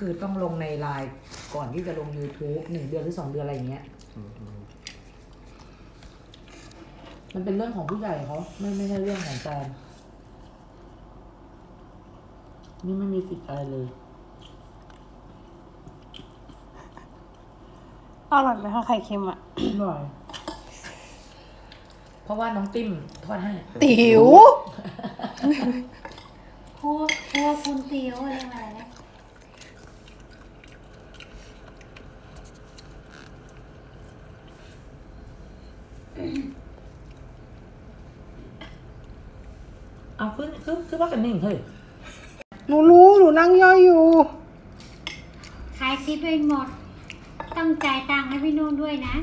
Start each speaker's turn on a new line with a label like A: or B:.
A: คือต้องลงในไลน์ก่อนที่จะลง YouTube 1 เดือนหรือ 2 เดือนอะไรอย่างเงี้ยมันเป็นเรื่องของผู้ใหญ่เขาไม่ใช่เรื่องของแฟนนี่ไม่มีสิทธิ์อะไรเลย
B: อร่อยไหมคะไข่เค็มอ่ะ
A: อร่อยเพราะว่าน้องติ้มทอดให้
B: ติ๋ว
C: ครัวคุณติวเรียกอะไรนะ
A: เอาขึ้นว่ากันนิ่งเฮ้ย
B: หนูรู้หนูนั่งย่อยอยู่
C: ขายคลิปไปหมด ต้องจ่ายตังค์ให้พี่นุ่นด้วยนะ